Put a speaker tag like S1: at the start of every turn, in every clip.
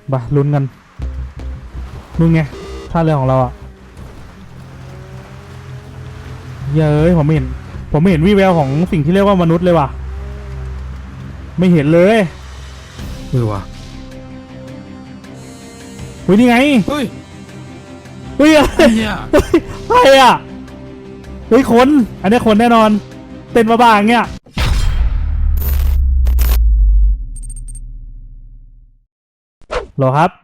S1: บ่ลุ้นกันนู่นไงท่าเรือของเราอ่ะเย้ยผมไม่เห็นวี่แววของสิ่งที่เรียกว่ามนุษย์เลยว่ะไม่เห็นเลย
S2: ว่ะ
S1: เฮ้ยนี่ไง
S2: เฮ้ย
S1: อะไร
S2: เนี่ย
S1: ใครอ่ะเฮ้ยคนอันนี้คนแน่นอนเต้นบ้าๆเงี้ยหรอครับ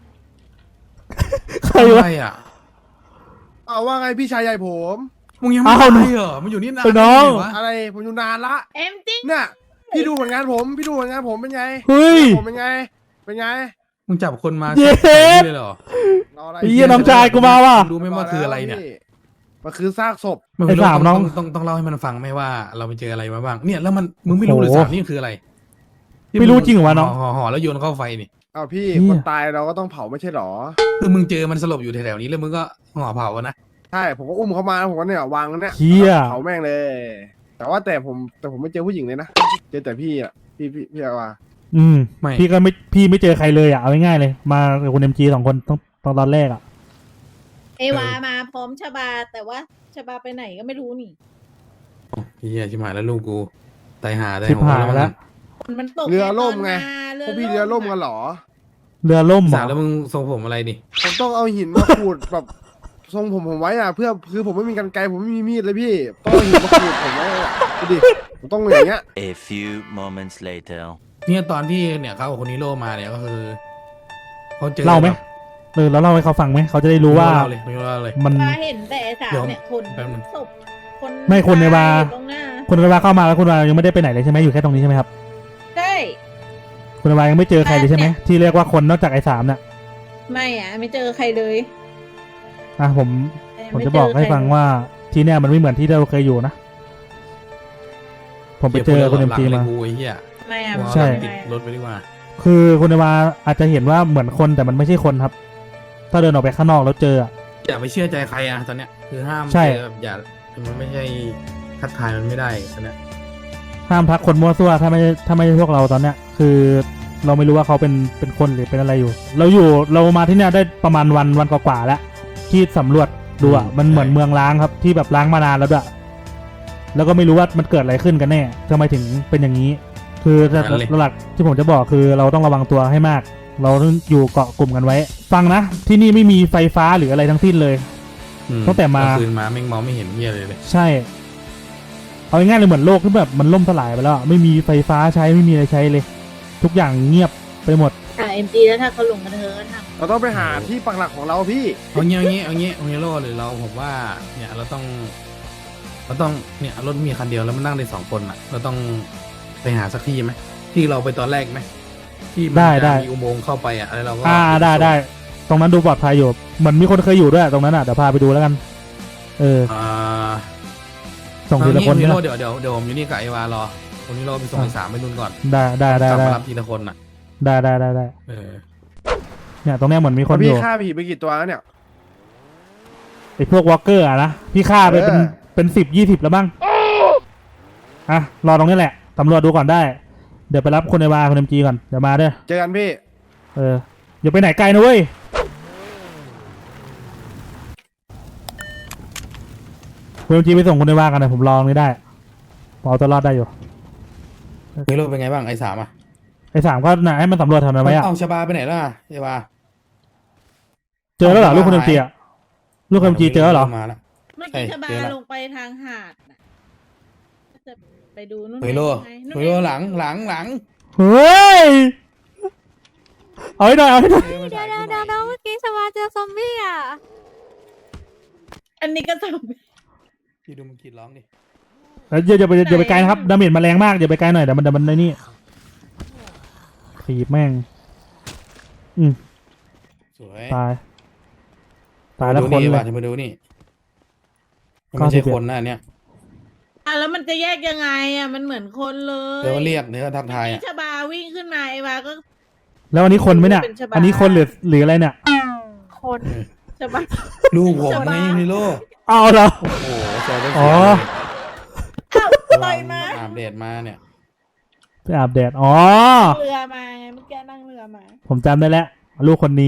S1: ใครวะ
S3: เอาว่าไงพี่ชายใหญ่ผม
S2: มึงยังไม่ตายเหรอมึงอยู่นี่นาน
S1: น้อง
S3: อะไรผมอยู่นานละ
S4: เอ็มจริง
S3: เนี่ยพี่ดูผลงานผมเป็นไง
S1: เฮ้ย
S3: ผมเป็นไง
S2: มึงจับคนมา
S1: เย้
S2: เลยเหรอ
S1: ไอ้เหี้ยน้องชายกูมาว่ะ
S2: รู้ไหมว่าคืออะไรเนี่ย
S3: มันคือซากศพ
S1: ไอ้สามน้อง
S2: ต้องเล่าให้มันฟังไหมว่าเราไปเจออะไรมาบ้างเนี่ยแล้วมึงไม่รู้เลยสามนี่คืออะไร
S1: ไม่รู้จริงเหรอวะน้อง
S2: ห่อแล้วโยนเข้าไฟนี่
S3: อ้าวพี่คนตายเราก็ต้องเผาไม่ใช่หรอ
S2: คือมึงเจอมันสลบอยู่แถวๆนี้แล้วมึงก็ห่อเผานะ
S3: ใช่ผมก็อุ้มเขามาผมก็เนี่ยวางเนี่ยเผาแม่งเลยแต่ผมไม่เจอผู้หญิงเลยนะเจอแต่พี่อ่ะพี่อาว่า
S1: ไม่พี่ไม่เจอใครเลยอ่ะเอาง่ายๆเลยมากับคุณMG2 คนตอนแรกอ่ะ
S4: เอวามาพร้อมชบาแต่ว่าชบาไปไหนก็ไม่รู้นี่
S2: พี่ชิบหายแล้วลูกกูตายหาได้
S1: ชิบหายแล้ว
S4: มันตก
S3: เรือล่มไงพวกพี่เรือล่มกันหรอ
S1: เรือล่ม
S2: สาแล้วมึงทรงผมอะไรนี่
S3: ผมต้องเอาหินมาขูดแบบทรงผมไว้อ่ะเพื่อคือผมไม่มีกรรไกรผมไม่มีมีดเลยพี่ต้องเอาหินมาขูดผมไว้ดิผมต้องอย่างเงี้ย
S5: A few moments later
S2: เนี่ยตอนที่เนี่ยเขากับคนนี้โลมาเนี่ยก็คือเขาเจอ
S1: เล่าไหมแล้วเล่าให้เขาฟังไหมเขาจะได้รู้ว่า
S4: มันเห็นแต่สาวเนี่ยคนศพ
S1: ไม่คนในบาร์เข้ามาแล้วคุณวายังไม่ได้ไปไหนเลยใช่ไหมอยู่แค่ตรงนี้ใช่ไหมครับ
S4: ใช่
S1: คุณวายังไม่เจอใครเลยใช่ไหมที่เรียกว่าคนนอกจากไอ้สามเนี่ย
S4: ไม่อ่ะไม่เจอใครเลย
S1: ผมจะบอกให้ฟังว่าที่เนี่ยมันไม่เหมือนที่เราเคยอยู่นะผมไปเจอคุณMGมา
S4: ไม่อ่ะ
S1: ใช่
S2: ติดรถไปดีกว่า
S1: คือคุณวาอาจจะเห็นว่าเหมือนคนแต่มันไม่ใช่คนครับถ้าเดินออกไปข้างนอกแล้วเจอ
S2: อย่าไปเชื่อใจใครอ่ะตอนเนี้ยคือห้าม
S1: ใช่
S2: อย่ามันไม่ใช่คัดทายมันไม่ได้ตอนเนี้ย
S1: ห้ามทักคนมั่วซั่วถ้าไม่พวกเราตอนเนี้ยคือเราไม่รู้ว่าเขาเป็นคนหรือเป็นอะไรอยู่เรามาที่เนี่ยได้ประมาณวันกว่าแล้วที่สำรวจดูอ่ะมันเหมือนเมืองล้างครับที่แบบล้างมานานแล้วด้วยแล้วก็ไม่รู้ว่ามันเกิดอะไรขึ้นกันแน่ทำไมถึงเป็นอย่างนี้คือหลักที่ผมจะบอกคือเราต้องระวังตัวให้มากเราต้องอยู่เกาะกลุ่มกันไว้ฟังนะที่นี่ไม่มีไฟฟ้าหรืออะไรทั้งสิ้นเลยตั้งแต่มา
S2: คืนมาแม่งมองไม่เห็นเหี้ยเลย
S1: ใช่เอาง่ายๆเลยเหมือนโลกที่แบบมันล่มสลายไปแล้วไม่มีไฟฟ้าใช้ไม่มีอะไรใช้เลยทุกอย่างเงียบไปหมด
S4: MGแล้วถ้าเขาลงกันเถอะทำ
S3: เราต้องไปหาที่ปักหลักของเราพี่
S2: เอาเงี้ยโลหรือเราผมว่าเนี่ยเราต้องเนี่ยรถมีคันเดียวแล้วมันนั่งได้2 คนอ่ะเราต้องไปหาสักที่ไหมที่เราไปตอนแรกไหมที่มันจะมีอุโมงค์เข้าไปอ่ะอะไรเราก็
S1: ได้ตรงนั้นดูปลอดภัยอยู่เหมือนมีคนเคยอยู่ด้วยตรงนั้นอ่ะเดี๋ยวพาไปดูแล้วกันส่งทีละคน
S2: นี่เดี๋ยวผมอยู่นี่กับไอวารอตรงนี้เราไปส่งไอ้3ไปนู่นก่อน
S1: ได้
S2: กลับมารับทีละคนอ่ะ
S1: ได้เนี่ยตรงนี้เหมือนมีคนอยู่
S3: พี่ฆ่าผีไปกี่ตัวแล้วเนี่ย
S1: ไอพวกวอล์กเกอร์อะนะพี่ฆ่าไปเป็น10-20แล้วบ้างรอตรงนี้แหละตำรวจดูก่อนได้เดี๋ยวไปรับคนในบาร์คนMGก่อนเดี๋ยวมาเด้อ
S3: เจอกันพี่
S1: อย่าไปไหนไกลนะเว้ยคุณMGไปส่งคนในบาร์กันนะผมรอไม่ได้พอตัวรอดได้อยู่
S2: เฮ้ยรถเป็นไงบ้างไอ้3อ่ะ
S1: ไอ้3ก็น่ะให้มันสำรวจทำอะไรอ่ะ
S2: เอาชบาไปไหนล่ะไอ้บา
S1: เจอแล้วเหรอลูกคนMGอ่ะลูกคนMGเจอแล้วเหรอ
S4: เมื่อกี้ชบาลงไปทางหาดจะไปดูนู่น
S2: เฮ้ยโลหลัง
S1: เฮ้ยเอาให้หน่อย
S4: เดี๋ยวเมื่อกี้ชบาเจอซอมบี้อ่ะอันนี้ก็ซอมบี้
S2: พี่ดูมันกรีดร้องดิ
S1: อย่าไปไกลนะครับดาเมจมาแรงมากอย่าไปไกลหน่อยเดี๋ยวมันในนี่ขีบแม่ง
S2: สวย
S1: ตายแล้วคนเลย
S2: มาดูนี่ไม่ใช่คนนะเนี่ย
S4: แล้วมันจะแยกยังไงมันเหมือนคนเลย
S2: เดี๋ยวเรียกเดี๋ยวทักทาย
S4: ชบาวิ่งขึ้นมาไอ้วาก็
S1: แล้วอันนี้คนไหมเนี่ยอันนี้คนหรืออะไรเนี่ย
S4: คนชบา
S2: ลูกผมไงพี่โล
S1: เอาเหรอ
S2: โอ้โหเจอได้
S4: ต่อยมา
S2: อาบแดดมาเนี่ย
S1: ไปอาบแดดเรือ
S4: มาเมื่อกี้นั่งเรือมา
S1: ผมจำได้แล้วลูกคนนี้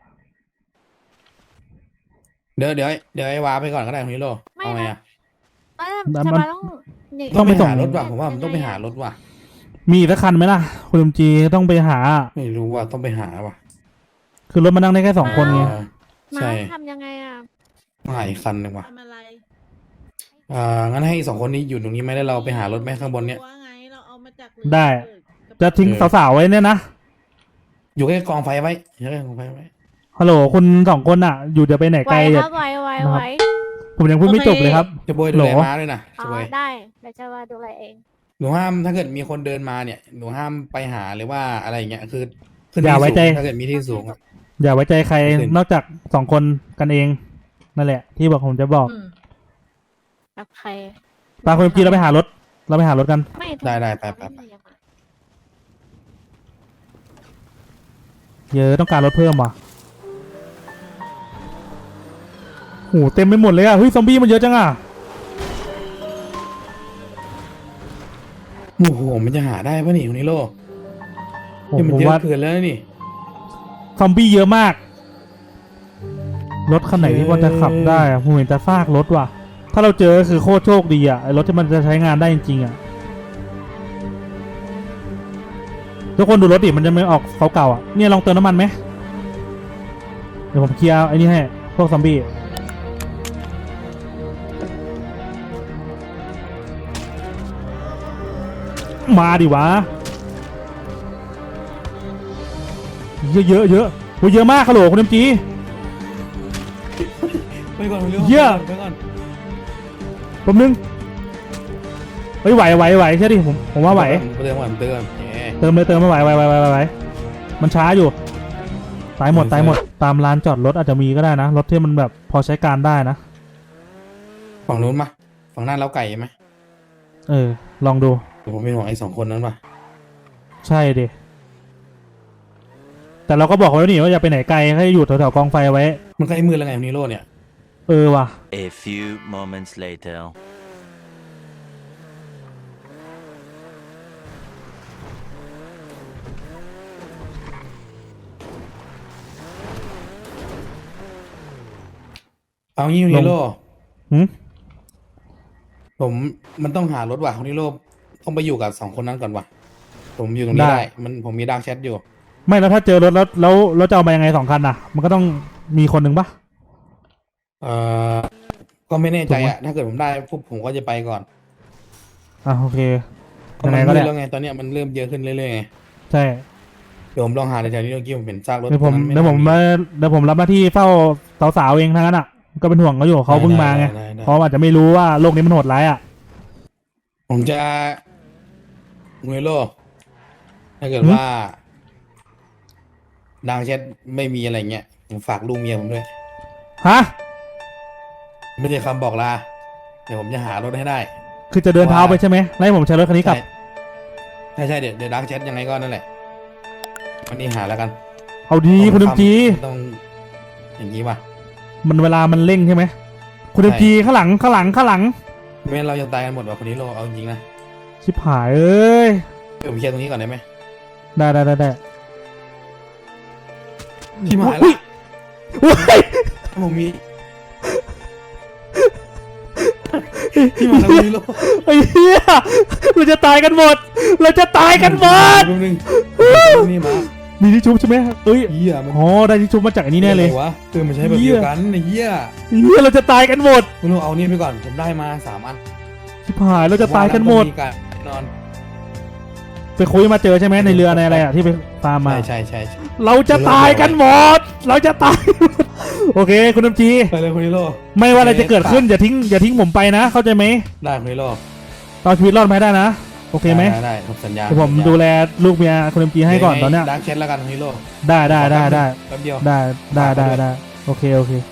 S2: เดี๋ยวไอ้วาไปก่อนก็ได้คุณนิโรเอาไงอะ
S1: มัน
S6: ชาบาต้อง
S1: ต้องไปส่ง
S2: หารถว่ะผมว่ามันต้องไปหารถว่ะ
S1: มีอีกสักคันไหมล่ะ คุณลุงจีต้องไปหา
S2: ไม่รู้ว่าต้องไปหาว่ะ
S1: คือรถมานั่งได้แค่2 คนไง
S6: มา
S2: ใช่
S6: ทำยังไงอ่ะ
S2: หาอีกคันหนึ่งว่ะ
S4: ทำอะไร
S2: งั้นให้2 คนนี้อยู่ตรงนี้ไหมแล้วเราไปหารถไหมข้างบนเนี้ย
S4: ว่าไงเราเอามาจาก
S1: ได้ จะทิ้งสาวๆไว้เนี่ยนะ
S2: อยู่ใกล้กองไฟไว้อยู่ใกล้กองไฟไว้
S1: ฮัลโหลคุณ2 คนอ่ะ อยู่จะไปไหน
S6: ไหว
S1: ไกล
S6: ค
S1: อย่า
S6: รับไหว
S1: นะครับ ผมยังพูดไม่จบเลยครับ
S2: จะโบยดูแล
S1: โหล
S2: ม้าด้วยนะ
S6: อ๋
S2: จะ
S6: อ
S2: โบย
S6: ได้เดี๋ยวชาบาดูแลเอง
S2: หนูห้ามถ้าเกิดมีคนเดินมาเนี่ยหนูห้ามไปหาหรือว่าอะไรอย่างเงี้ยคือขึ้น
S1: อย่า
S2: ที่
S1: ไว้
S2: สูง
S1: ใจ
S2: ถ้าเกิดมีที่สูงอะ
S1: อย่าไว้ใจใคร
S2: ไม่เป็น
S1: นอกจาก2 คนกันเอง นั่นแหละ ที่บอกผมจะบอก
S6: กับใคร
S1: ปาคุณลุงจีเราไปหารถ เราไปหารถกัน
S6: ไม่
S2: ได้ไป
S1: เยอะต้องการรถเพิ่มว่ะโหเต็มไปหมดเลยอ่ะ เฮ้ยซอมบี้มันเยอะจังอ่ะ
S2: โอ้โหมันจะหาได้ปะนี่คุณนิโร
S1: ผม
S2: นี่มัน
S1: ผม
S2: เยอะ
S1: ว่า
S2: เกินแล้วนี่
S1: ซอมบี้เยอะมาก รถคันไหนที่มันจะขับได้อะผมเห็นจะซากรถว่ะ ถ้าเราเจอคือโคตรโชคดีอ่ะไอ้รถที่มันจะใช้งานได้จริงๆอ่ะ ทุกคนดูรถดิมันจะไม่ออกเก่าๆอ่ะ เนี่ยลองเติมน้ำมันไหม เดี๋ยวผมเคลียร์ไอ้นี่ให้ พวกซอมบี้ มาดิวะ เยอะเยอะเยอะโหเยอะมากฮัลโหลคุณเอ็มจี
S2: ไปก่อนคุณนิโร
S1: เหี้ย
S2: ไปก่อน
S1: ผมนึงเฮ้ยไหวใช่ดิผมว่าไหว
S2: เติมก่อนเติมแหม
S1: เติมไม่ไหวมันช้าอยู่ ตายหมดตามลานจอดรถอาจจะมีก็ได้นะ รถที่มันแบบพอใช้การได้นะ
S2: ฝั่งนู้นมาฝั่งหน้าเล้าไก่ไหม
S1: ลองดู
S2: เดี๋ยวผมเป็นห่วงไอ้2 คนนั้นว่ะ
S1: ใช่ดิ แต่เราก็บอกไว้แล้วนี่ว่าอย่าไปไหนไกลให้อยู่แถวๆกองไฟไว้
S2: มันใกล้มืดแล้วไงคุณนิโรเนี่ย
S1: ว่ะ
S5: A few moments later.
S2: เอางี้คุณนิโร
S1: หืม
S2: มันต้องหารถว่ะคุณนิโรต้องไปอยู่กับ2 คนนั้นก่อนว่ะผมอยู่ตรงนี้ได้ผมมีดาร์กแชทอยู่
S1: ไม่แล้วถ้าเจอรถแล้วเราจะเอามายังไง2 คันน่ะ มันก็ต้องมีคนหนึ่งปะ
S2: ก็ไม่แน่ใจ
S1: ถูกไหม
S2: อะถ้าเกิดผมได้ปุ๊บผมก็จะไปก่อน
S1: โอเค
S2: เพราะ
S1: ยัง
S2: มั
S1: ไง
S2: น
S1: ก็
S2: มื
S1: ได้
S2: ดแล้วไงตอนเนี้ยมันเริ่มเยอะขึ้นเรื่อยๆไง
S1: ใช่
S2: เดี๋ยวผมลองหาในแถวนี้เมื่อกี้ผมเห็นซากรถ
S1: เดี๋ยวผม
S2: ตรงนั้น
S1: เดี๋ยวผมรับหน้าที่เฝ้าสาวๆเองทั้งนั้นอ่ะ ก็เป็นห่วงเขาอยู่เขาเพิ่งมาไง
S2: ได้
S1: เพราะอาจจะไม่รู้ว่าโลกนี้มันโหดร้ายอ่ะ
S2: ผมจะคุณนิโรถ้าเกิด
S1: หืม
S2: ว่าดาร์กแชทไม่มีอะไรเงี้ยผมฝากลูกเมียผมด้วย
S1: ฮะ
S2: ไม่ใช่คำบอกลาเดี๋ยวผมจะหารถให้ได้
S1: คือจะเดินเท้าไปใช่ไหมแล้วให้ผมใช้รถคันนี้กลับ
S2: ใช่เดี๋ยวดาร์กแชทยังไงก็นั่นแหละวันนี้หาแล้วกัน
S1: เอาดีคุณเอ็มจี
S2: ต้องอย่างนี้ป่ะ
S1: มันเวลามันเร่งใช่ไหมคุณเอ็มจีข้างหลัง
S2: ไม่งั้นเราจะตายกันหมดว่ะคนนี้โลเอาจริงๆนะ
S1: ชิบหายเอ้ย
S2: เดี๋ยวผมเคลียร์ตรงนี้ก่อนได้ไหม
S1: ได้
S2: ที่มา
S1: อุ๊
S2: ละ
S1: ยอุ๊ย
S2: ผมมีที่มาแล้วคนนี้โล
S1: ไอ้เหี้ยเราจะตายกันหมด
S2: แป๊บนึงนี่มา
S1: มีที่ชุบใช่ไหมเอ้ย
S2: เหี้ยมัน
S1: อ๋อได้ที่ชุบมาจากอันนี้แน่เลย
S2: อะไรวะมันใช้แบบเดียวกันไอ้เหี้ย
S1: เหี้ยเราจะตายกันหมด
S2: คุณโลเอานี่ไปก่อนผมได้มา3 อัน
S1: ชิบหายเราจะตายกันหมด
S2: ผว่าแล้วต้องการแน่นอน
S1: ไปคุยมาเจอใช่ไหมในเรือในอะไรอ่ะที่ไปฟาร์มมา
S2: ใช่
S1: เราจะตายกันหมด เราจะตาย โอเค คุณน้ำจี
S2: ไปเลยคนนี้โล
S1: ไม่ว่าอะไรจะเกิดขึ้นอย่าทิ้งผมไปนะ เข้าใจไหม
S2: ได้คนนี้โล
S1: เอาชีวิตรอดมาให้ได้นะ โอเคไหม
S2: ได้ผมสัญญา
S1: เดี๋ยวผมดูแลลูกเมียคุณน้ำจีให้ก่อนตอนเนี้ย
S2: ดาร์กแชทแล้วกันคนนี้โล
S1: ได้
S2: แป๊บเดียว
S1: ได้โอเค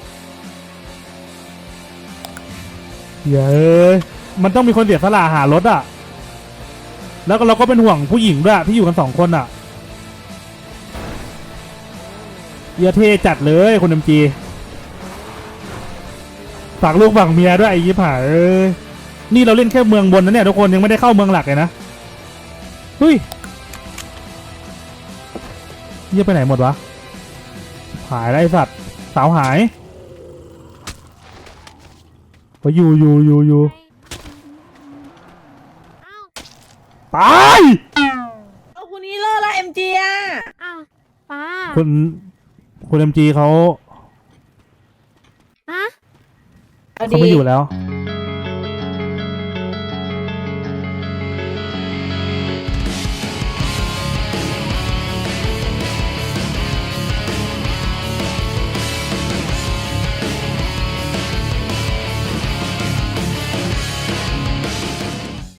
S1: เย้ยมันต้องมีคนเสียสละหารถอ่ะ แล้วก็เราก็เป็นห่วงผู้หญิงด้วยที่อยู่กัน2 คนอ่ะเยาเท่จัดเลยคุณเอ็มจีฝากลูกฝากเมียด้วยไอ้ยิบหายเอ้ยนี่เราเล่นแค่เมืองบนนะเนี่ยทุกคนยังไม่ได้เข้าเมืองหลักเลยนะเฮ้ยเยี่ยไปไหนหมดวะหายแล้วไอ้สัตว์สาวหายไปอยู่
S6: อ้าว
S1: ตาย
S4: เอาคุณฮีโร่ละเอ็มจีอะ
S6: อ้าวป้า
S1: คุณเอ็มจีเขา
S6: ฮะ
S4: เอา
S1: เขา
S4: ดี
S1: ไม่อยู่แล้ว